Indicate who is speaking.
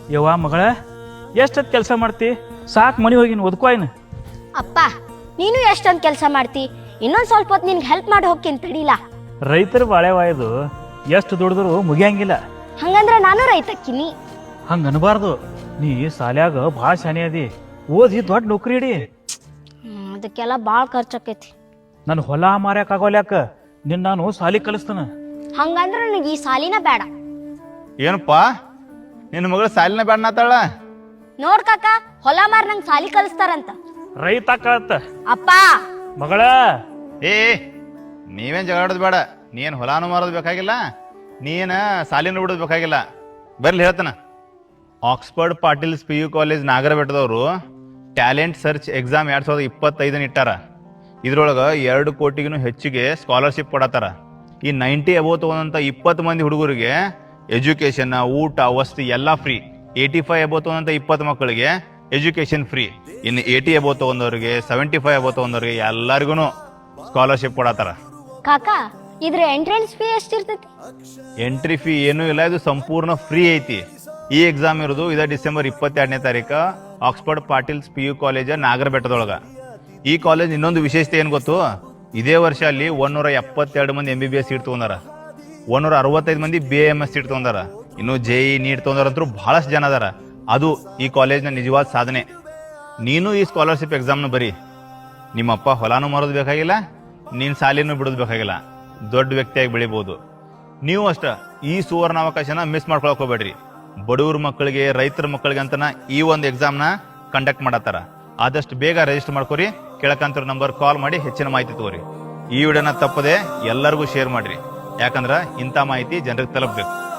Speaker 1: ಯವ್ವ ಮಗಳ ಎಷ್ಟೊತ್ತು ಕೆಲಸ ಮಾಡ್ತಿ? ಸಾಕು ಮನೆ ಹೋಗಿನ ಓದ್ಕೋ ಏನು.
Speaker 2: ಅಪ್ಪ ನೀನು ಎಷ್ಟೊಂದು ಕೆಲಸ ಮಾಡ್ತಿ, ಇನ್ನೊಂದು ಸ್ವಲ್ಪ ಹೊತ್ತು ನಿನ್ಗೆ ಹೆಲ್ಪ್ ಮಾಡಿ ಹೋಗ್ತೀನಿ ತಡಿಲ್ಲ.
Speaker 1: ರೈತರ ಬಾಳೆವಾಯ್ದು ಎಷ್ಟು ದುಡಿದ್ರು ಮುಗಿಯಂಗಿಲ್ಲ.
Speaker 2: ಹಂಗಂದ್ರೆ ನಾನು ರೈತಕ್ಕಿನಿ.
Speaker 1: ಹಂಗೆ ಅನ್ಬಾರ್ದು. ನೀ ಸಾಲ್ಯಾಗ ಭಾಳ ಶಾನೆ ಅದಿ, ಓದಿ ದೊಡ್ಡ ನೌಕರಿ ಇಡಿ.
Speaker 2: ಅದಕ್ಕೆಲ್ಲ ಭಾಳ ಖರ್ಚಾಕೈತಿ.
Speaker 1: ನನ್ನ ಹೊಲ ಮಾರ್ಯಾಕಾಗೋಲ್ಯಾಕ ನಿನ್ನ ನಾನು ಸಾಲಿ ಕಲಿಸ್ತಾನ.
Speaker 2: ಹಂಗಂದ್ರೆ ನನಗೆ ಈ ಸಾಲಿನ ಬೇಡ.
Speaker 3: ಏನಪ್ಪ ನಿನ್ನ ಮಗಳು ಸಾಲಿನ ಬೇಡನಾತಾಳ?
Speaker 2: ನೋಡ್ ಕಾಕ, ಹೊಲ ಮಾರ್ ನಂಗೆ ಸಾಲಿ ಕಲಿಸ್ತಾರಂತ.
Speaker 1: ರೈತ ಕಳತ್ತ
Speaker 2: ಅಪ್ಪ
Speaker 1: ಮಗಳ.
Speaker 3: ಏ ನೀವೇನ್ ಜಗಾಡೋದು ಬೇಡ. ನೀನ್ ಹೊಲಾನು ಮಾರೋದು ಬೇಕಾಗಿಲ್ಲ, ನೀನ್ ಸಾಲಿನ ಬಿಡೋದು ಬೇಕಾಗಿಲ್ಲ. ಬರ್ಲಿ ಹೇಳ್ತಾನ. ಆಕ್ಸ್ಫರ್ಡ್ ಪಾಟೀಲ್ಸ್ PU ಕಾಲೇಜ್ ನಾಗರಬೆಟ್ಟದವರು ಟ್ಯಾಲೆಂಟ್ ಸರ್ಚ್ ಎಕ್ಸಾಮ್ 2025 ಇಟ್ಟಾರ. ಇದ್ರೊಳಗೆ 2 ಕೋಟಿಗೂ ಹೆಚ್ಚಿಗೆ ಸ್ಕಾಲರ್ಶಿಪ್ ಕೊಡತ್ತಾರ. ಈ 90 ಅಬೌವ್ ತಗೊಂಡಂತ 20 ಮಂದಿ ಹುಡುಗರಿಗೆ ಎಜುಕೇಶನ್, ಊಟ, ವಸತಿ ಎಲ್ಲ ಫ್ರೀ. 85 ಅಬೌವ್ ತಗೊಂಡಂತ 20 ಮಕ್ಕಳಿಗೆ ಎಜುಕೇಶನ್ ಫ್ರೀ. ಇನ್ನು 80 ಅಬೌವ್ ತಗೊಂಡವ್ರಿಗೆ, 75 ಅಬೌವ್ ತಗೊಂಡವ್ರಿಗೆ ಎಲ್ಲರಿಗೂ ಸ್ಕಾಲರ್ಶಿಪ್ ಕೊಡತ್ತಾರ.
Speaker 2: ಕಾಕ ಇದ್ರ ಎಂಟ್ರೆನ್ಸ್ ಫೀ ಎಷ್ಟಿರ್ತೈತಿ?
Speaker 3: ಎಂಟ್ರಿ ಫೀ ಏನೂ ಇಲ್ಲ, ಇದು ಸಂಪೂರ್ಣ ಫ್ರೀ ಐತಿ. ಈ ಎಕ್ಸಾಮ್ ಇರೋದು ಇದ ಡಿಸೆಂಬರ್ 22ನೇ ತಾರೀಕು ಆಕ್ಸ್ಫರ್ಡ್ ಪಾಟೀಲ್ಸ್ PU ಕಾಲೇಜ್ ನಾಗರಬೆಟ್ಟದೊಳಗ. ಈ ಕಾಲೇಜ್ ಇನ್ನೊಂದು ವಿಶೇಷತೆ ಏನ್ ಗೊತ್ತು? ಇದೇ ವರ್ಷ ಅಲ್ಲಿ 172 ಮಂದಿ MBBS ಸೀಟ್ ತಗೊಂಡಾರ, 165 ಮಂದಿ BAMS ಸೀಟ್ ತಗೊಂಡಾರ, ಇನ್ನು JEE ನೀಟ್ ತಗೊಂಡಾರಂತೂ ಬಹಳಷ್ಟು ಜನ ಅದಾರ. ಅದು ಈ ಕಾಲೇಜ್ನ ನಿಜವಾದ ಸಾಧನೆ. ನೀನು ಈ ಸ್ಕಾಲರ್ಶಿಪ್ ಎಕ್ಸಾಮ್ನ ಬರೀ. ನಿಮ್ಮಪ್ಪ ಹೊಲಾನು ಮಾರೋದು ಬೇಕಾಗಿಲ್ಲ, ನೀನ್ ಸಾಲಿನೂ ಬಿಡೋದು ಬೇಕಾಗಿಲ್ಲ, ದೊಡ್ಡ ವ್ಯಕ್ತಿಯಾಗಿ ಬೆಳಿಬಹುದು. ನೀವು ಅಷ್ಟ ಈ ಸುವರ್ಣಾವಕಾಶನ ಮಿಸ್ ಮಾಡ್ಕೊಳಕ್ ಹೋಗ್ಬೇಡ್ರಿ. ಬಡವ್ರ ಮಕ್ಕಳಿಗೆ, ರೈತರ ಮಕ್ಕಳಿಗೆ ಅಂತನ ಈ ಒಂದು ಎಕ್ಸಾಮ್ನ ಕಂಡಕ್ಟ್ ಮಾಡತ್ತಾರ. ಆದಷ್ಟು ಬೇಗ ರಿಜಿಸ್ಟರ್ ಮಾಡ್ಕೊರಿ. ಕೆಳಕಂತ ನಂಬರ್ ಕಾಲ್ ಮಾಡಿ ಹೆಚ್ಚಿನ ಮಾಹಿತಿ ತಗೋರಿ. ಈ ವಿಡಿಯೋನ ತಪ್ಪದೆ ಎಲ್ಲರಿಗೂ ಶೇರ್ ಮಾಡ್ರಿ, ಯಾಕಂದ್ರ ಇಂಥ ಮಾಹಿತಿ ಜನರಿಗೆ ತಲುಪಬೇಕು.